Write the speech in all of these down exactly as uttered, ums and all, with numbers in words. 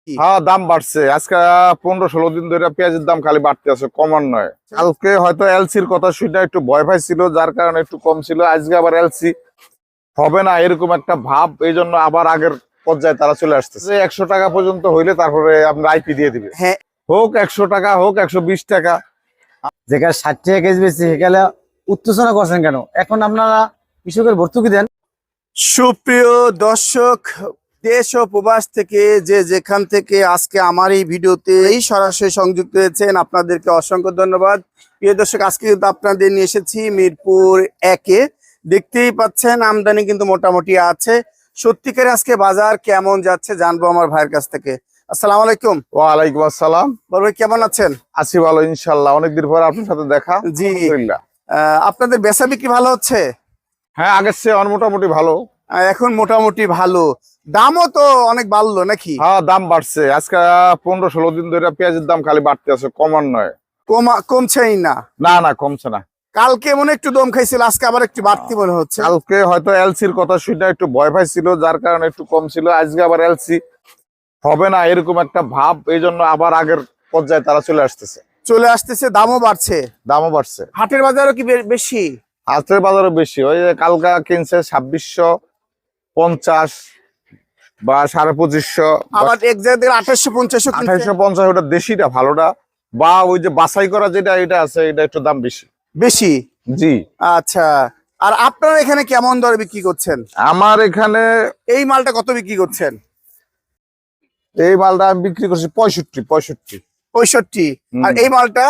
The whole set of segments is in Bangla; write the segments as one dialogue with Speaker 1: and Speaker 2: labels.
Speaker 1: হ্যাঁ, দাম বাড়ছে। আজকে পনেরো ষোলো দিন ধরে পেঁয়াজের দাম খালি বাড়তে আছে, কমার নয়। কালকে হয়তো এলসির কথা শুনে একটু ভয় পাই ছিল, যার কারণে একটু কম ছিল। আজকে আবার এলসি হবে না এরকম একটা ভাব, এই জন্য আবার আগের পর্যায়ে তারা চলে আসতেছে। একশো টাকা পর্যন্ত হইলে তারপরে আপনার আইপি দিয়ে দিবে।
Speaker 2: হ্যাঁ,
Speaker 1: হোক একশো টাকা, হোক একশো বিশ টাকা।
Speaker 3: যেখানে ষাট টাকা কেজি বেশি সেখানে উত্তেজনা করছেন কেন? এখন আপনারা কৃষকের ভর্তুকি দেন।
Speaker 2: সুপ্রিয় দর্শক, দেশ ও প্রবাস থেকে যে যেখান থেকে আজকে আমার এই ভিডিওতে এই সরাসরি সংযুক্ত হয়েছেন, আপনাদেরকে অসংখ্য ধন্যবাদ। প্রিয় দর্শক, আজকে কিন্তু আপনাদের নিয়ে এসেছি মিরপুর একে। দেখতেই পাচ্ছেন আমদানি কিন্তু মোটামুটি আছে। সত্যিকারে আজকে বাজার কেমন যাচ্ছে জানবো আমার ভাইয়ের কাছ থেকে। আসসালামু আলাইকুম।
Speaker 1: ওয়ালাইকুম আসসালাম।
Speaker 2: বড় ভাই, কেমন আছেন?
Speaker 1: আছি ভালো, ইনশাল্লাহ। অনেকদিন পর আপনার সাথে দেখা।
Speaker 2: জি,
Speaker 1: আলহামদুলিল্লাহ।
Speaker 2: আহ, আপনাদের বেচা বিক্রি ভালো হচ্ছে?
Speaker 1: হ্যাঁ, আগের চেয়ে অন মোটামুটি ভালো।
Speaker 2: আহ, এখন মোটামুটি ভালো। দামও তো অনেক বাড়লো নাকি?
Speaker 1: হ্যাঁ, দাম বাড়ছে। আজকে পনেরো ষোলো দিন ধরে পেঁয়াজের দাম খালি বাড়তে আছে, কমার নয়।
Speaker 2: কমা কমছেই না?
Speaker 1: না না, কমছে না।
Speaker 2: কালকে মনে একটু দম খাইছিল, আজকে আবার একটু বাড়তি মনে হচ্ছে।
Speaker 1: কালকে হয়তো এলসির কথা শুনে একটু ভয় পাই ছিল, যার কারণে একটু কম ছিল। আজকে আবার এলসি হবে না এরকম একটা ভাব, এই জন্য আবার আগের পর্যায়ে তারা চলে আসতেছে।
Speaker 2: চলে আসতেছে, দামও বাড়ছে।
Speaker 1: দামও বাড়ছে।
Speaker 2: হাটের বাজারও কি বে- বেশি?
Speaker 1: হাটের বাজারও বেশি। ওই যে কালকা কিনছে ছাব্বিশশো পঞ্চাশ বা সাড়ে পঁচিশশো,
Speaker 2: আবার এক জায়গায় আঠাশশো পঞ্চাশও কিনছে।
Speaker 1: আঠাইশো পঞ্চাশ। ওটা দেশিটা ভালোটা, বা ওই যে বাছাই করা যেটা এটা আছে, এটা একটু দাম বেশি।
Speaker 2: বেশি?
Speaker 1: জি।
Speaker 2: আচ্ছা, আর আপনারা এখানে কেমন দরে বিক্রি করছেন?
Speaker 1: আমার এখানে
Speaker 2: এই মালটা কত বিক্রি করছেন?
Speaker 1: এই মালটা আমি বিক্রি করছি পঁয়ষট্টি পঁয়ষট্টি
Speaker 2: পঁয়ষট্টি।
Speaker 1: হুম।
Speaker 2: আর এই মালটা?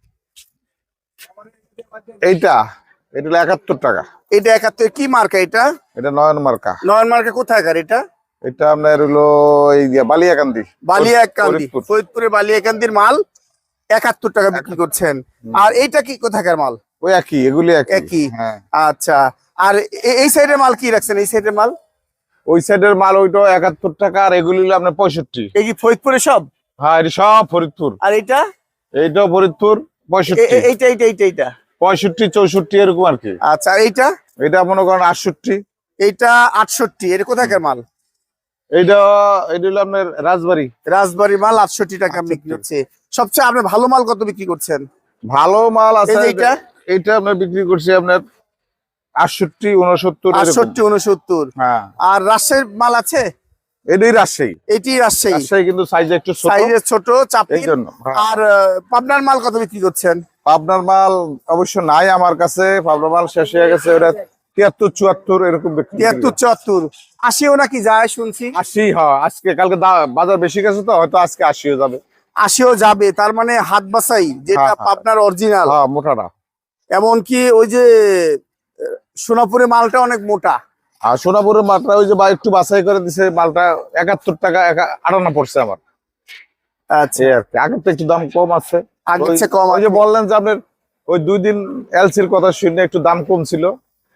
Speaker 1: এইটা এটা হলো একাত্তর টাকা।
Speaker 2: এটা একাত্তর। কি মার্কা এটা?
Speaker 1: এটা নয়ন মার্কা।
Speaker 2: নয়ন মার্কা কোথাকার এটা?
Speaker 1: এটা আপনার হলো এই যে বালিয়াকান্দি।
Speaker 2: বালিয়াকান্দি,
Speaker 1: ফরিদপুর।
Speaker 2: ফরিদপুরে বালিয়াকান্দির মাল একাত্তর টাকা বিক্রি করছেন। আর এইটা কি কোথাকার মাল?
Speaker 1: ওই একই, এগুলি একই।
Speaker 2: একই।
Speaker 1: হ্যাঁ।
Speaker 2: আচ্ছা, আর এ- এই সাইডের মাল কি রাখছেন? এই সাইডের মাল?
Speaker 1: ওই সাইডের মাল ওইটা একাত্তর টাকা, আর এগুলি হলো আপনার পঁয়ষট্টি।
Speaker 2: এই কি ফরিদপুরে সব?
Speaker 1: হ্যাঁ, এটা সব ফরিদপুর।
Speaker 2: আর এইটা?
Speaker 1: এইটাও ফরিদপুর।
Speaker 2: এ-
Speaker 1: পঁয়ষট্টি
Speaker 2: এ- এইটা এইটা এইটা এইটা
Speaker 1: পঁয়ষট্টি চৌষট্টি এরকম আর কি।
Speaker 2: আচ্ছা, আর এইটা?
Speaker 1: এটা মনে করেন আটষট্টি।
Speaker 2: এইটা আটষট্টি। এটা কোথাকার মাল?
Speaker 1: এইটা এটা হলো আপনার রাজবাড়ি।
Speaker 2: রাজবাড়ি মাল আটষট্টি টাকা বিক্রি হচ্ছে। সবচেয়ে আপনি ভালো মাল কত বিক্রি করছেন?
Speaker 1: ভালো মাল আছে।
Speaker 2: এই যে এইটা?
Speaker 1: এইটা আপনার বিক্রি করছি আপনার আটষট্টি উনসত্তর এরকম।
Speaker 2: আটষট্টি উনসত্তর।
Speaker 1: হ্যাঁ,
Speaker 2: আর রাজশাহীর মাল আছে?
Speaker 1: এটাই রাজশাহী।
Speaker 2: এটি রাজশাহী।
Speaker 1: রাজশাহী কিন্তু সাইজে একটু ছোট,
Speaker 2: সাইজের ছোট,
Speaker 1: এই
Speaker 2: চাপি।
Speaker 1: জন্য। হ্যাঁ।
Speaker 2: আর আহ, পাবনার মাল কত বিক্রি করছেন?
Speaker 1: পাবনার মাল অবশ্য নাই আমার কাছে। পাবনার মাল শেষ হয়ে গেছে। ওটা তিয়াত্তর চুয়াত্তর এরকম বিক্রি করি।
Speaker 2: তিয়াত্তর চুয়াত্তর আশিও নাকি যায় শুনছি?
Speaker 1: আশি। হ্যাঁ, আজকে কালকে দা- বাজার বেশি গেছে তো হয়তো আজকে আশিও যাবে।
Speaker 2: আশিও যাবে, তার মানে হাত বাসাই যেটা
Speaker 1: হ্যাঁ, হ্যাঁ।
Speaker 2: পাবনার অরিজিনাল।
Speaker 1: হ্যাঁ, মোটাটা।
Speaker 2: এমনকি ওই যে আহ, সোনাপুরের মালটা অনেক মোটা।
Speaker 1: আর সোনাপুরের মালটা ওই যে বা একটু বাছাই করে দিছে, মালটা একাত্তর টাকা একা- আটান্ন পড়ছে আমার।
Speaker 2: আচ্ছা,
Speaker 1: এই আর কি। আগের তো একটু দাম কম আছে।
Speaker 2: আগের
Speaker 1: ওই-
Speaker 2: চেয়ে কম
Speaker 1: ওই যে
Speaker 2: আছে।
Speaker 1: বললেন যে আপনার ওই দুই দিন এলসির কথা শুনে একটু দাম কম ছিল,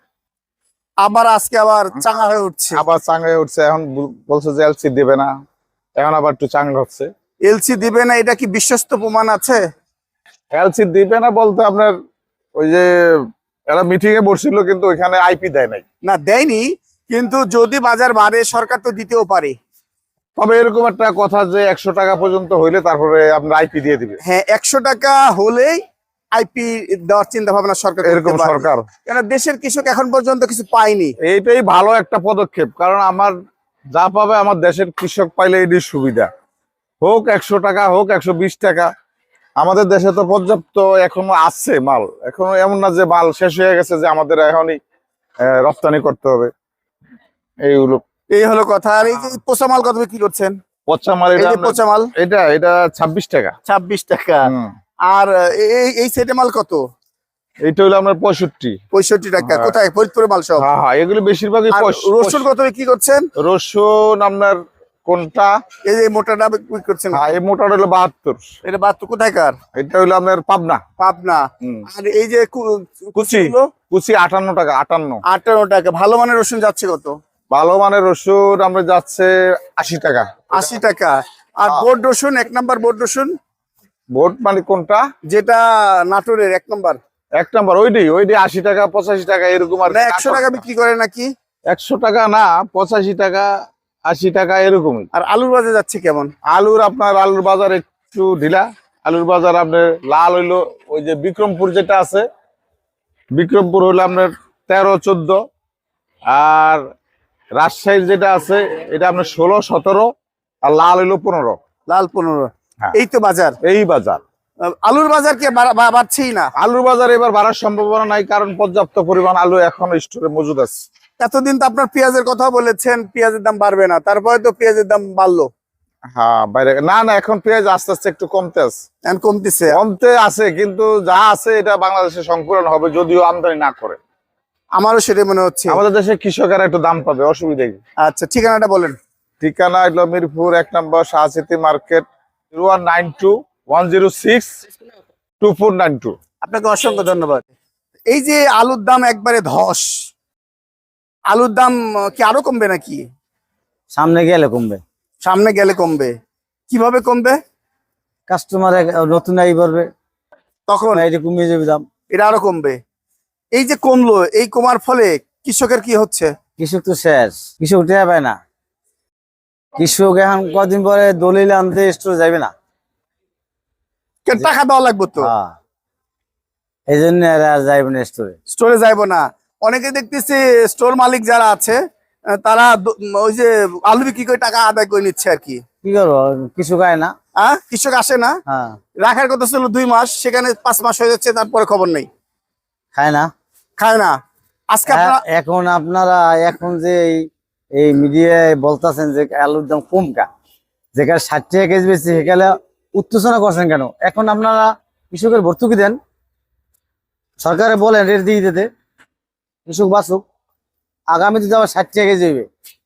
Speaker 2: আবার আজকে আবার চাঙা হয়ে উঠছে।
Speaker 1: আবার চাঙ্গা হয়ে উঠছে। এখন বল- বলছে যে এলসি দেবে না, এখন আবার একটু চাঙ্গা হচ্ছে।
Speaker 2: এলসি দিবে না, এটা কি বিশ্বস্ত প্রমাণ আছে?
Speaker 1: এলসি দিবে না বলতে আপনার ওই যে এরা মিটিং এ বসছিল, কিন্তু ওইখানে আইপি দেয় নাই।
Speaker 2: না, দেয়নি, কিন্তু যদি বাজার বাড়ে সরকার তো দিতেও পারে।
Speaker 1: তবে এরকম একটা কথা যে একশো টাকা পর্যন্ত হইলে তারপরে আপনার আইপি দিয়ে দিবে,
Speaker 2: হ্যাঁ, একশো টাকা হলেই আইপি দেওয়ার চিন্তা ভাবনা সরকার করতে
Speaker 1: এরকম
Speaker 2: পারে।
Speaker 1: সরকার।
Speaker 2: কেন দেশের কৃষক এখন পর্যন্ত কিছু পায়নি।
Speaker 1: এইটাই ভালো একটা পদক্ষেপ, কারণ আমার যা পাবে আমার দেশের কৃষক পাইলে এটি সুবিধা। হোক একশো টাকা, হোক একশো বিশ টাকা, আমাদের দেশে তো পর্যাপ্ত এখনো আছে মাল। এখনো এমন না যে মাল শেষ হয়ে গেছে যে আমাদের এখনই আহ, রপ্তানি করতে হবে এইগুলো।
Speaker 2: এই হলো কথা। আর এই যে পচা মাল কত বিক্রি করছেন?
Speaker 1: পচা মাল
Speaker 2: এই
Speaker 1: এটা
Speaker 2: যে
Speaker 1: আপনার-
Speaker 2: পচা মাল
Speaker 1: এটা এটা ছাব্বিশ টাকা।
Speaker 2: ছাব্বিশ টাকা।
Speaker 1: হুম।
Speaker 2: আর এই এই সেটে মাল কত?
Speaker 1: এইটা হলো আপনার পঁয়ষট্টি।
Speaker 2: পঁয়ষট্টি টাকা।
Speaker 1: হ্যাঁ।
Speaker 2: কোথায়? ফরিদপুরের মাল সব?
Speaker 1: হ্যাঁ হ্যাঁ, এগুলো বেশিরভাগই
Speaker 2: আর
Speaker 1: পঁয়ষ-
Speaker 2: রসুন কত বিক্রি করছেন?
Speaker 1: রসুন আপনার কোনটা?
Speaker 2: এই যে মোটাটা বিক্রি করছেন?
Speaker 1: হ্যাঁ, এই মোটা হলো বাহাত্তর।
Speaker 2: এটা বাহাত্তর। কোথায়কার?
Speaker 1: এটা হলো আপনার পাবনা।
Speaker 2: পাবনা।
Speaker 1: হুম।
Speaker 2: আর এই যে কু-
Speaker 1: কুচি
Speaker 2: কুচিগুলো?
Speaker 1: কুচি আটান্ন টাকা। আটান্ন।
Speaker 2: আটান্ন টাকা। ভালো মানের রসুন যাচ্ছে কত?
Speaker 1: ভালো মানের রসুন আমরা যাচ্ছে আশি টাকা।
Speaker 2: আশি টাকা। আর
Speaker 1: হ্যাঁ।
Speaker 2: বোর্ড রসুন, এক নাম্বার বোর্ড রসুন
Speaker 1: ভোট মানে কোনটা?
Speaker 2: যেটা নাটোরের এক নাম্বার,
Speaker 1: এক নাম্বার ওইডি ওইডি আশি টাকা পঁচাশি টাকা এরকম আর
Speaker 2: না একশো টাকা বিক্রি করে নাকি?
Speaker 1: একশো টাকা না, পঁচাশি টাকা আশি টাকা এরকমই।
Speaker 2: আর আলুর বাজার যাচ্ছে কেমন?
Speaker 1: আলুর আপনার আলুর বাজার একটু ঢিলা। আলুর বাজার আপনার লাল হইলো ওই যে বিক্রমপুর যেটা আছে, বিক্রমপুর হইলো আপনার তেরো চোদ্দ, আর রাজশাহীর যেটা আছে এটা আপনার ষোলো সতেরো, আর লাল হইলো পনেরো।
Speaker 2: লাল পনেরো।
Speaker 1: হ্যাঁ।
Speaker 2: এই তো বাজার।
Speaker 1: এই বাজার।
Speaker 2: আহ, আলুর বাজার কি বাড়া- বা- বাড়ছেই না?
Speaker 1: আলুর বাজার এবার বাড়ার সম্ভাবনা নাই, কারণ পর্যাপ্ত পরিমাণ আলু এখন স্টোরে মজুদ আছে।
Speaker 2: এতদিন তো আপনার পেঁয়াজের কথা বলেছেন, পেঁয়াজের দাম বাড়বে না, তারপরে তো পেঁয়াজের দাম বাড়লো।
Speaker 1: হ্যাঁ বাইরে না না, এখন পেঁয়াজ আস্তে আস্তে একটু কমতে আছে।
Speaker 2: এখন কমতেছে।
Speaker 1: কমতে আছে, কিন্তু যা আছে এটা বাংলাদেশে সংকুলন হবে যদিও আমদানি না করে।
Speaker 2: আমারও সেটাই মনে হচ্ছে।
Speaker 1: আমাদের দেশে কৃষকেরা একটু দাম পাবে, অসুবিধা কি?
Speaker 2: আচ্ছা, ঠিকানাটা বলেন।
Speaker 1: ঠিকানা হলো মিরপুর এক নম্বর শাহসিতি market, zero one nine two one zero six two four nine two.
Speaker 2: আপনাকে অসংখ্য ধন্যবাদ। এই যে আলুর দাম একবারে ধস, আলুর দাম আহ, কি আরো কমবে নাকি?
Speaker 3: সামনে গেলে কমবে,
Speaker 2: সামনে গেলে কমবে। কিভাবে কমবে?
Speaker 3: কাস্টমার নতুন আই পারবে,
Speaker 2: তখন
Speaker 3: এটা কমিয়ে যাবে দাম।
Speaker 2: এটা আরো কমবে। এই যে কমলো, এই কমার ফলে কৃষকের কি হচ্ছে?
Speaker 3: কৃষক তো শেষ, কৃষক টেয়া পায় না। কৃষক এখন কদিন পরে দলিল আনতে স্টোর যাবে না।
Speaker 2: কেন, টাকা দেওয়া লাগবে তো।
Speaker 3: হ্যাঁ, এই জন্য এরা আর যাইবে না স্টোরে।
Speaker 2: স্টোরে যাইবো না। অনেকে দেখতেছি স্টোর মালিক যারা আছে আহ, তারা দ- ওই যে আলু বিক্রি করে টাকা আদায় করে নিচ্ছে আর কি।
Speaker 3: কি করবো, কৃষক আয় না।
Speaker 2: হ্যাঁ, কৃষক আসে না।
Speaker 3: হ্যাঁ,
Speaker 2: রাখার কথা ছিল দুই মাস, সেখানে পাঁচ মাস হয়ে যাচ্ছে, তারপরে খবর নেই,
Speaker 3: খায় না।
Speaker 2: খায় না। আজকে আপনারা
Speaker 3: এ- এখন আপনারা এখন যে এই- এই মিডিয়ায় বলতেছেন যে আলুর দাম কম কা, যেখানে ষাট টাকা কেজি বেশি সেখানে উত্তেজনা করছেন কেন? এখন আপনারা কৃষকের ভর্তুকি দেন, সরকারে বলেন রেট দিয়ে দিতে, কৃষক বাঁচুক। আগামীতে তো আবার ষাট টাকা কেজি হইবে,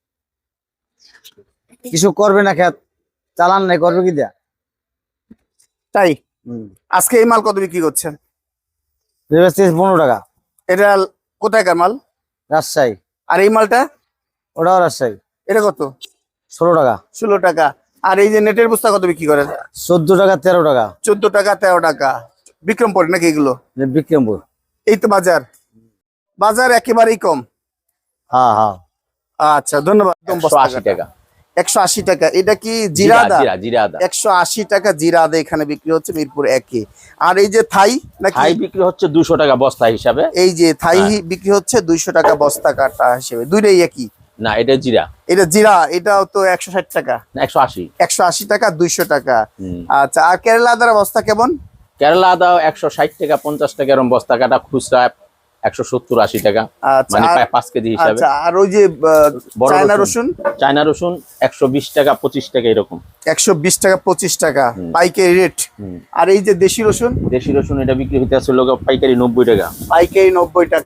Speaker 3: কৃষক করবে না, খেত চালান নাই, করবে কি দেয়া?
Speaker 2: তাই
Speaker 3: হম,
Speaker 2: আজকে এই মাল কত বিক্রি করছেন?
Speaker 3: পনেরো টাকা
Speaker 2: এটা কোথায়কার মাল?
Speaker 3: রাজশাহী।
Speaker 2: আর এই মালটা?
Speaker 3: ওটাও রাজশাহী,
Speaker 2: এটা কত?
Speaker 3: ষোলো টাকা।
Speaker 2: ষোলো টাকা। আর এই যে নেটের বস্তা কত বিক্রি করেন?
Speaker 3: চোদ্দ টাকা, তেরো টাকা।
Speaker 2: চোদ্দ টাকা, তেরো টাকা। বিক্রমপুর নাকি এগুলো?
Speaker 3: যে বিক্রমপুর।
Speaker 2: এই তো বাজার, বাজার একেবারেই কম।
Speaker 3: হ্যাঁ হ্যাঁ,
Speaker 2: আচ্ছা, ধন্যবাদ। একদম
Speaker 4: একশো
Speaker 2: বস্তা
Speaker 4: আশি
Speaker 2: কাটা।
Speaker 4: টাকা
Speaker 2: একশো আশি টাকা। এটা কি জিরা আদা?
Speaker 4: জিরা জিরা আদা।
Speaker 2: একশো আশি টাকা জিরা আদা এখানে বিক্রি হচ্ছে মিরপুর একে। আর এই যে থাই নাকি?
Speaker 4: থাই বিক্রি হচ্ছে দুশো টাকা বস্তা হিসাবে।
Speaker 2: এই যে থাই বিক্রি হচ্ছে দুইশো টাকা বস্তা কাটা হিসেবে। দুইটাই একই?
Speaker 4: না, এটা জিরা।
Speaker 2: এটা জিরা, এটাও তো একশো ষাট টাকা।
Speaker 4: না, একশো আশি।
Speaker 2: একশো আশি টাকা, দুইশো টাকা।
Speaker 4: হুম।
Speaker 2: আচ্ছা, আর কেরালা আদার বস্তা কেমন?
Speaker 4: কেরালা আদা একশো ষাট টাকা, পঞ্চাশ টাকা এরকম বস্তা কাটা, খুচরা একশো সত্তর আশি টাকা,
Speaker 2: আচ্ছা,
Speaker 4: মানে
Speaker 2: আর-
Speaker 4: প্রায় পাঁচ কেজি হিসাবে।
Speaker 2: আচ্ছা, আর ওই যে আহ,
Speaker 4: বড়
Speaker 2: চায়না
Speaker 4: রসুন।
Speaker 2: রসুন?
Speaker 4: চায়না রসুন একশো বিশ টাকা, পঁচিশ টাকা এরকম।
Speaker 2: একশো বিশ টাকা, পঁচিশ টাকা
Speaker 4: হুম।
Speaker 2: পাইকারি রেট।
Speaker 4: হুম।
Speaker 2: আর এই যে দেশি রসুন?
Speaker 4: দেশি রসুন এটা বিক্রি হইতে আসলে পাইকারি নব্বই টাকা।
Speaker 2: পাইকারি নব্বই টাকা।